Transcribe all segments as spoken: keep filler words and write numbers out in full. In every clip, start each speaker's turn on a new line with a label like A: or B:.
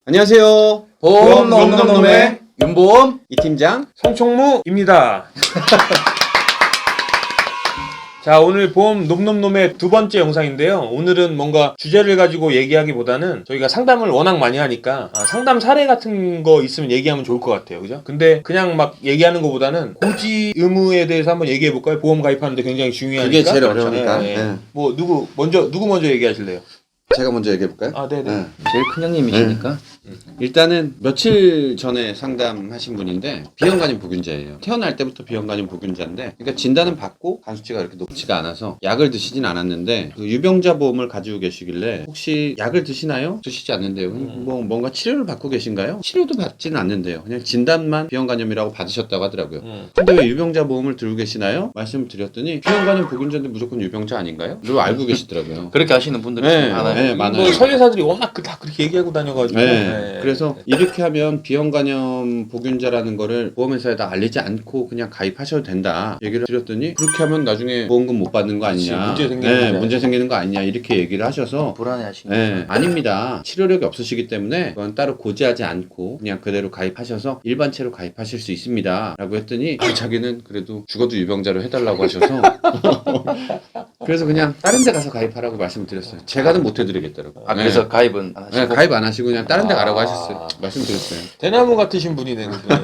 A: 안녕하세요.
B: 보험 놈놈놈의 윤보험
A: 이 팀장
C: 성총무입니다. 자, 오늘 보험 놈놈놈의 두 번째 영상인데요. 오늘은 뭔가 주제를 가지고 얘기하기보다는 저희가 상담을 워낙 많이 하니까 아, 상담 사례 같은 거 있으면 얘기하면 좋을 것 같아요. 그죠? 근데 그냥 막 얘기하는 것보다는 고지 의무에 대해서 한번 얘기해 볼까요? 보험 가입하는데 굉장히 중요하니까.
A: 그게 제일 어려우니까.
C: 네, 네.
A: 네.
C: 뭐 누구 먼저 누구 먼저 얘기하실래요?
A: 제가 먼저 얘기해볼까요?
C: 아, 네네. 네.
B: 제일 큰 형님이시니까
A: 일단은 며칠 전에 상담하신 분인데 비형간염 보균자예요. 태어날 때부터 비형간염 보균자인데, 그러니까 진단은 받고 간 수치가 그렇게 높지가 않아서 약을 드시진 않았는데 그 유병자 보험을 가지고 계시길래 혹시 약을 드시나요? 드시지 않는데요.
C: 음.
A: 뭐 뭔가 치료를 받고 계신가요? 치료도 받지는 않는데요. 그냥 진단만 비형간염이라고 받으셨다고 하더라고요.
C: 음.
A: 근데 왜 유병자 보험을 들고 계시나요? 말씀을 드렸더니 비형간염 보균자인데 무조건 유병자 아닌가요? 를 알고 계시더라고요.
B: 그렇게 하시는 분들이
A: 네,
B: 많아요.
A: 네, 많아요.
C: 뭐 설계사들이 워낙 그- 다 그렇게 얘기하고 다녀가지고.
A: 네.
C: 네.
A: 그래서 이렇게 하면 비형간염 보균자라는 거를 보험회사에다 알리지 않고 그냥 가입하셔도 된다 얘기를 드렸더니, 그렇게 하면 나중에 보험금 못 받는 거 아니냐,
C: 그치, 문제 생기는
A: 네,
C: 거죠.
A: 문제 생기는 거 아니냐 이렇게 얘기를 하셔서
B: 불안해하시는
A: 네, 아닙니다. 치료력이 없으시기 때문에 그건 따로 고지하지 않고 그냥 그대로 가입하셔서 일반체로 가입하실 수 있습니다 라고 했더니 아, 자기는 그래도 죽어도 유병자로 해달라고 하셔서 그래서 그냥 다른 데 가서 가입하라고 말씀드렸어요. 제가는 못 해드리겠더라고요.
B: 아 그래서 가입은 안 하시고
A: 네, 가입 안 하시고 그냥 다른 데 가라고
C: 아.
A: 하셨어요. 말씀드렸어요.
C: 대나무 같으신 분이네. 그분은.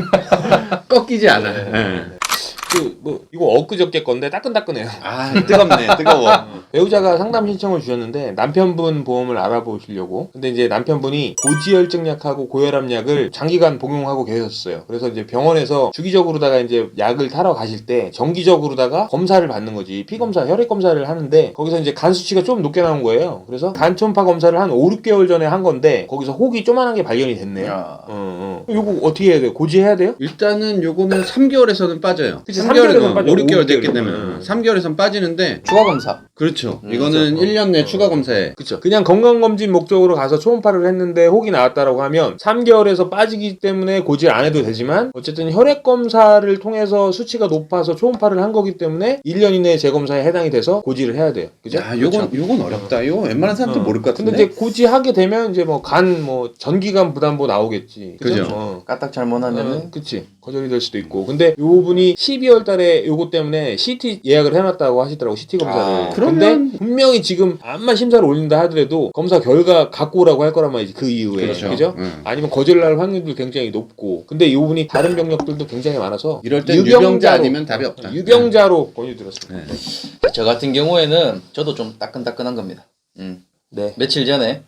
A: 꺾이지 않아요.
C: 네.
A: 네.
C: 그, 뭐, 이거 엊그저께 건데 따끈따끈해요.
A: 아, 뜨겁네, 뜨거워.
C: 배우자가 상담 신청을 주셨는데 남편분 보험을 알아보시려고. 근데 이제 남편분이 고지혈증약하고 고혈압약을 장기간 복용하고 계셨어요. 그래서 이제 병원에서 주기적으로다가 이제 약을 타러 가실 때 정기적으로다가 검사를 받는 거지. 피검사, 혈액 검사를 하는데 거기서 이제 간 수치가 좀 높게 나온 거예요. 그래서 간 초음파 검사를 한 오, 육 개월 전에 한 건데 거기서 혹이 조만한 게 발견이 됐네요.
B: 야.
C: 어, 어. 이거 어떻게 해야 돼요? 고지해야 돼요?
A: 일단은 요거는 삼 개월에서는 빠져요.
C: 그치,
A: 삼 개월에는
C: 삼 개월에선 빠져.
A: 오, 육 개월
C: 오, 육
A: 됐기
C: 개월.
A: 때문에
C: 음.
A: 삼 개월에선 빠지는데,
B: 추가 검사.
A: 그렇죠.
C: 음,
A: 이거는
C: 그렇죠.
A: 일 년 내
C: 어.
A: 추가 검사에.
C: 그쵸. 그냥 건강검진 목적으로 가서 초음파를 했는데 혹이 나왔다라고 하면 삼 개월에서 빠지기 때문에 고지를 안 해도 되지만, 어쨌든 혈액검사를 통해서 수치가 높아서 초음파를 한 거기 때문에 일 년 이내에 재검사에 해당이 돼서 고지를 해야 돼요. 그죠?
A: 야, 요건, 요건 어렵다. 이거 웬만한 사람도
C: 어.
A: 모를 것 같은데.
C: 근데 이제 고지하게 되면 이제 뭐 간 뭐 전기간 부담보 나오겠지. 그죠?
A: 그죠.
C: 어.
B: 까딱 잘못하면은
C: 어, 그치. 거절이 될 수도 있고. 근데 요 분이 십이월 달에 요거 때문에 씨티 예약을 해놨다고 하시더라고, 씨티 검사를.
B: 아,
A: 그러면-
C: 근데 분명히 지금 암만 심사를 올린다 하더라도 검사 결과 갖고 오라고 할 거란 말이지, 그 이후에.
A: 그렇죠.
C: 그죠?
A: 음.
C: 아니면 거절날 확률도 굉장히 높고. 근데 요 분이 다른 병력들도 굉장히 많아서
A: 이럴 땐 유병자 아니면 답이 없다.
C: 유병자로 권유드렸습니다.
A: 네.
B: 저 같은 경우에는 저도 좀 따끈따끈한 겁니다. 음.
C: 네.
B: 며칠 전에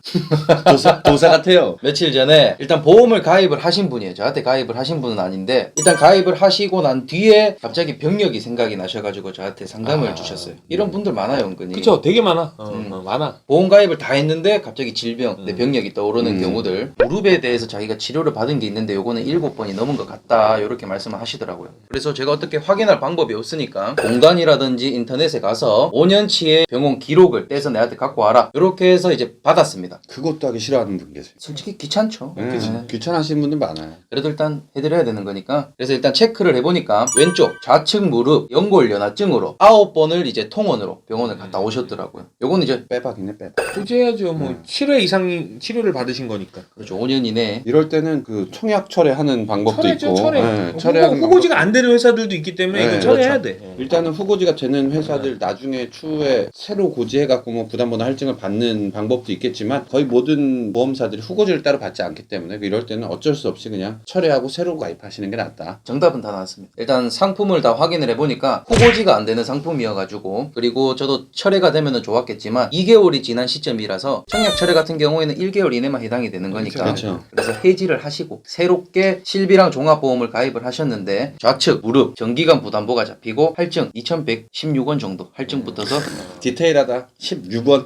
A: 도사, 도사 같아요.
B: 며칠 전에 일단 보험을 가입을 하신 분이에요. 저한테 가입을 하신 분은 아닌데 일단 가입을 하시고 난 뒤에 갑자기 병력이 생각이 나셔가지고 저한테 상담을
C: 아,
B: 주셨어요. 이런 분들 많아요, 은근히.
C: 그쵸. 되게 많아. 어,
B: 음.
C: 어, 많아.
B: 보험 가입을 다 했는데 갑자기 질병, 내
C: 음.
B: 병력이 떠오르는
A: 음.
B: 경우들. 무릎에 대해서 자기가 치료를 받은 게 있는데 요거는 일곱 번이 넘은 것 같다, 이렇게 말씀을 하시더라고요. 그래서 제가 어떻게 확인할 방법이 없으니까 공간이라든지 인터넷에 가서 오 년치의 병원 기록을 떼서 내한테 갖고 와라, 이렇게 해서 이제 받았습니다.
A: 그것도 하기 싫어하는 분 계세요.
B: 솔직히 귀찮죠.
A: 네.
B: 네.
A: 귀찮아하시는 분들 많아요.
B: 그래도 일단 해드려야 되는 거니까. 그래서 일단 체크를 해보니까 왼쪽 좌측 무릎 연골 연화증으로 아홉 번을 이제 통원으로 병원을 갔다 오셨더라고요. 요거는 이제
A: 빼박이네, 빼박.
C: 고지해야죠. 뭐
A: 음.
C: 칠 회 이상 치료를 받으신 거니까.
B: 그렇죠, 오 년 이내에.
A: 이럴 때는 그 청약 철회하는 방법도
C: 철회죠,
A: 있고.
C: 철회.
A: 네,
C: 후보,
A: 철회하는
C: 후보지가 안 되는 회사들도 있기 때문에
A: 네,
C: 이거 철회해야
B: 그렇죠.
C: 돼.
A: 일단은 후보지가 되는 회사들 나중에 추후에 새로 고지해갖고 뭐 부담보다 할증을 받는 방법도 있겠지만 거의 모든 보험사들이 후고지를 따로 받지 않기 때문에 이럴 때는 어쩔 수 없이 그냥 철회하고 새로 가입하시는 게 낫다.
B: 정답은 다 나왔습니다. 일단 상품을 다 확인을 해보니까 후보지가 안 되는 상품이어가지고, 그리고 저도 철회가 되면은 좋았겠지만 이 개월이 지난 시점이라서 청약 철회 같은 경우에는 일 개월 이내만 해당이 되는 거니까.
A: 그렇죠.
B: 그래서 해지를 하시고 새롭게 실비랑 종합보험을 가입을 하셨는데 좌측 무릎 정기간 부담보가 잡히고 할증 이천백십육 원 정도 할증 붙어서
A: 디테일하다. 십육 원.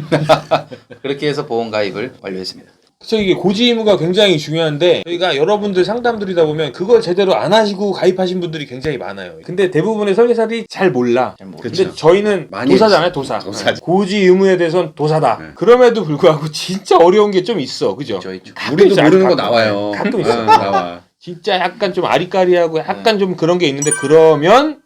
B: 그렇게 해서 보험 가입을 완료했습니다.
C: 그래서 이게 고지 의무가 굉장히 중요한데, 저희가 여러분들 상담 드리다 보면 그걸 제대로 안 하시고 가입하신 분들이 굉장히 많아요. 근데 대부분의 설계사들이 잘 몰라.
B: 잘 모르-
A: 그쵸.
C: 근데 저희는
A: 많이
C: 도사잖아요, 도사.
A: 도사죠.
C: 고지 의무에 대해서는 도사다.
A: 네.
C: 그럼에도 불구하고 진짜 어려운 게 좀 있어, 그죠?
B: 있죠, 있죠.
C: 가끔
A: 우리도
C: 있어,
A: 모르는 거
C: 가끔.
A: 나와요.
C: 가끔 있어.
A: 어, 나와.
C: 진짜 약간 좀 아리까리하고 약간 좀 그런 게 있는데, 그러면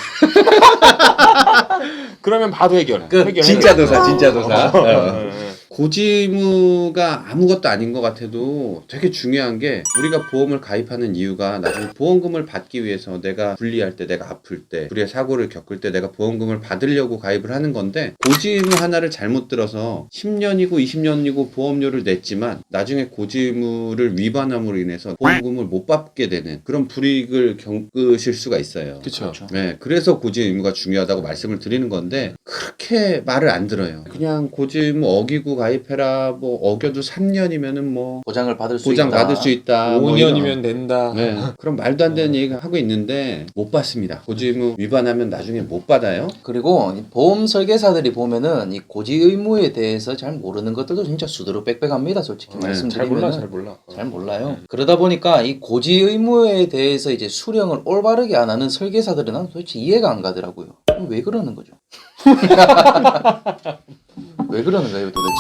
C: 그러면 바로 해결.
B: 끝.
C: 해결,
A: 진짜
C: 해결.
A: 도사, 진짜 도사.
C: 어,
A: 어.
C: 어, 어.
A: 고지의무가 아무것도 아닌 것 같아도 되게 중요한 게 우리가 보험을 가입하는 이유가 나중에 보험금을 받기 위해서 내가 불리할 때, 내가 아플 때, 불의의 사고를 겪을 때 내가 보험금을 받으려고 가입을 하는 건데 고지의무 하나를 잘못 들어서 십 년이고 이십 년이고 보험료를 냈지만 나중에 고지의무를 위반함으로 인해서 보험금을 못 받게 되는 그런 불이익을 겪으실 수가 있어요.
C: 그쵸.
A: 네, 그래서 고지의무가 중요하다고 말씀을 드리는 건데 그렇게 말을 안 들어요. 그냥 고지의무 어기고 가입해라. 뭐 어겨도 삼 년이면은 뭐
B: 보장을 받을 수
A: 보장
B: 있다.
A: 받을 수 있다.
C: 오
A: 뭐
C: 년이면 된다.
A: 이런. 네, 그럼 말도 안 되는 얘기 하고 있는데 못 받습니다. 고지의무 위반하면 나중에 못 받아요.
B: 그리고 이 보험 설계사들이 보면은 이 고지 의무에 대해서 잘 모르는 것들도 진짜 수두룩 빽빽합니다. 솔직히
A: 네,
B: 말씀드리면
C: 잘 몰라, 잘 몰라.
B: 잘 몰라요. 그러다 보니까 이 고지 의무에 대해서 이제 수령을 올바르게 안 하는 설계사들은 난 도대체 이해가 안 가더라고요. 그럼 왜 그러는 거죠? 왜 그러는 거예요, 도대체?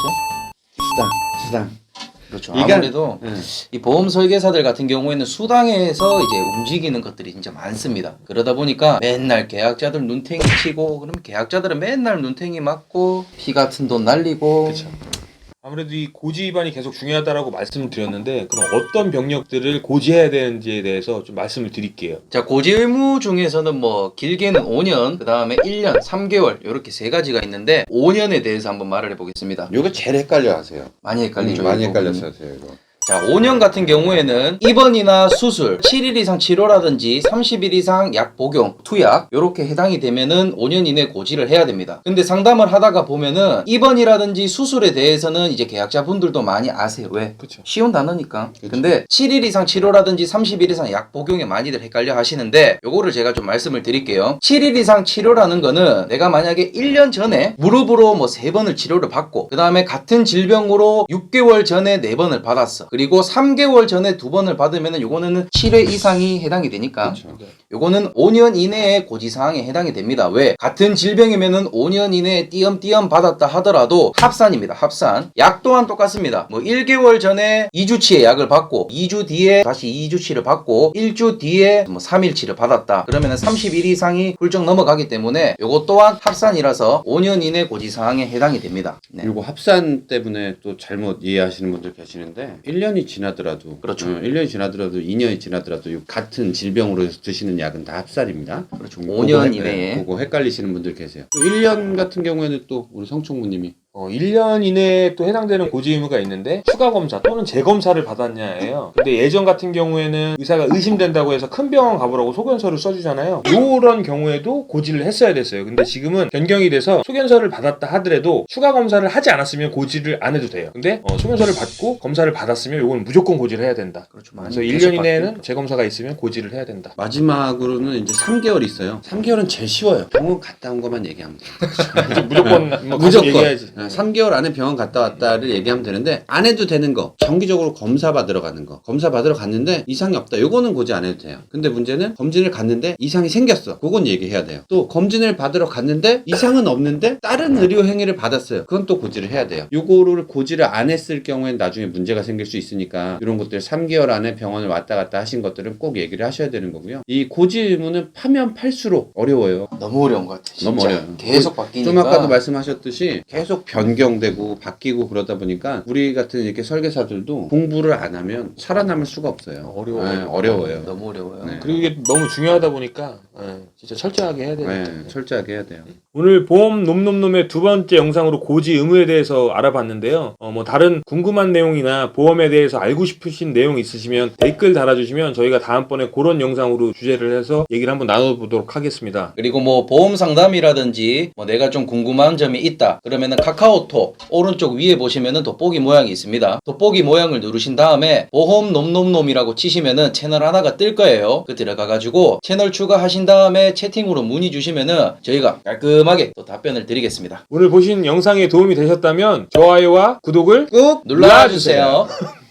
A: 수당, 수당.
B: 그렇죠.
A: 이게-
B: 아무래도
A: 네.
B: 이 보험 설계사들 같은 경우에는 수당에서 이제 움직이는 것들이 진짜 많습니다. 그러다 보니까 맨날 계약자들 눈탱이 치고, 그럼 계약자들은 맨날 눈탱이 맞고, 피 같은 돈 날리고.
C: 그쵸. 아무래도 이 고지 위반이 계속 중요하다라고 말씀을 드렸는데 그럼 어떤 병력들을 고지해야 되는지에 대해서 좀 말씀을 드릴게요.
B: 자, 고지 의무 중에서는 뭐 길게는 오 년, 그 다음에 일 년, 삼 개월 이렇게 세 가지가 있는데 오 년에 대해서 한번 말을 해보겠습니다.
A: 요거 제일 헷갈려 하세요.
B: 많이 헷갈리죠.
A: 음, 많이
B: 이 부분이.
A: 헷갈렸어요, 이거.
B: 자, 오 년 같은 경우에는 입원이나 수술, 칠 일 이상 치료라든지 삼십 일 이상 약 복용, 투약 요렇게 해당이 되면은 오 년 이내 고지를 해야 됩니다. 근데 상담을 하다가 보면은 입원이라든지 수술에 대해서는 이제 계약자분들도 많이 아세요. 왜?
C: 그렇죠.
B: 쉬운 단어니까.
A: 그쵸.
B: 근데 칠 일 이상 치료라든지 삼십 일 이상 약 복용에 많이들 헷갈려 하시는데 요거를 제가 좀 말씀을 드릴게요. 칠 일 이상 치료라는 거는 내가 만약에 일 년 전에 무릎으로 뭐 세 번을 치료를 받고 그 다음에 같은 질병으로 육 개월 전에 네 번을 받았어. 그리고 삼 개월 전에 두 번을 받으면은 요거는 칠 회 이상이 해당이 되니까
A: 그렇죠.
B: 요거는 오 년 이내에 고지사항에 해당이 됩니다. 왜? 같은 질병이면은 오 년 이내에 띄엄띄엄 받았다 하더라도 합산입니다. 합산. 약 또한 똑같습니다. 뭐 일 개월 전에 이 주치의 약을 받고 이 주 뒤에 다시 이 주치를 받고 일 주 뒤에 뭐 삼 일치를 받았다. 그러면은 삼십 일 이상이 훌쩍 넘어가기 때문에 요거 또한 합산이라서 오 년 이내 고지사항에 해당이 됩니다. 네.
A: 그리고 합산 때문에 또 잘못 이해하시는 분들 계시는데 일 년이 지나더라도
B: 그렇죠.
A: 어, 일 년이 지나더라도 이 년이 지나더라도 이 같은 질병으로 드시는 약은 다 합산입니다.
B: 그렇죠.
A: 그거
B: 오 년
A: 헷-
B: 이내에.
A: 네, 그거 헷갈리시는 분들 계세요. 또 일 년 같은 경우에는 또 우리 성총무님이
C: 어, 일 년 이내에 또 해당되는 고지 의무가 있는데 추가 검사 또는 재검사를 받았냐예요. 근데 예전 같은 경우에는 의사가 의심된다고 해서 큰 병원 가보라고 소견서를 써주잖아요. 요런 경우에도 고지를 했어야 됐어요. 근데 지금은 변경이 돼서 소견서를 받았다 하더라도 추가 검사를 하지 않았으면 고지를 안 해도 돼요. 근데 어, 소견서를 받고 검사를 받았으면 요건 무조건 고지를 해야 된다.
B: 그렇죠. 많이
C: 그래서 일 년
B: 계속
C: 이내에는
B: 바뀌고.
C: 재검사가 있으면 고지를 해야 된다.
A: 마지막으로는 이제 삼 개월이 있어요. 삼 개월은 제일 쉬워요. 병원 갔다 온 것만 얘기하면 돼요.
C: 무조건 뭐 가서
A: 무조건
C: 얘기해야지.
A: 네, 삼 개월 안에 병원 갔다 왔다를 얘기하면 되는데 안 해도 되는 거 정기적으로 검사 받으러 가는 거 검사 받으러 갔는데 이상이 없다 요거는 고지 안 해도 돼요. 근데 문제는 검진을 갔는데 이상이 생겼어. 그건 얘기해야 돼요. 또 검진을 받으러 갔는데 이상은 없는데 다른 의료 행위를 받았어요. 그건 또 고지를 해야 돼요. 요거를 고지를 안 했을 경우엔 나중에 문제가 생길 수 있으니까 이런 것들 삼 개월 안에 병원을 왔다 갔다 하신 것들은 꼭 얘기를 하셔야 되는 거고요. 이 고지 의무는 파면 팔수록 어려워요.
B: 너무 어려운 것 같아요. 진짜.
A: 너무 어려워요.
B: 계속 바뀌니까.
A: 좀 아까도 말씀하셨듯이 계속 변경되고 바뀌고 그러다 보니까 우리 같은 이렇게 설계사들도 공부를 안 하면 살아남을 수가 없어요.
C: 어려워요.
A: 네, 어려워요.
B: 너무 어려워요.
A: 네.
C: 그리고 이게 너무 중요하다 보니까 예, 진짜 철저하게 해야 되는
A: 네, 철저하게 해야 돼요.
C: 오늘 보험 놈놈놈의 두 번째 영상으로 고지 의무에 대해서 알아봤는데요. 어, 뭐 다른 궁금한 내용이나 보험에 대해서 알고 싶으신 내용 있으시면 댓글 달아주시면 저희가 다음번에 그런 영상으로 주제를 해서 얘기를 한번 나눠보도록 하겠습니다.
B: 그리고 뭐 보험 상담이라든지 뭐 내가 좀 궁금한 점이 있다 그러면은 카카오톡 오른쪽 위에 보시면은 돋보기 모양이 있습니다. 돋보기 모양을 누르신 다음에 보험 놈놈놈이라고 치시면은 채널 하나가 뜰 거예요. 그 들어가가지고 채널 추가하신 다음에 채팅으로 문의 주시면은 저희가 깔끔하게 또 답변을 드리겠습니다.
C: 오늘 보신 영상에 도움이 되셨다면 좋아요와 구독을
B: 꾹 눌러주세요.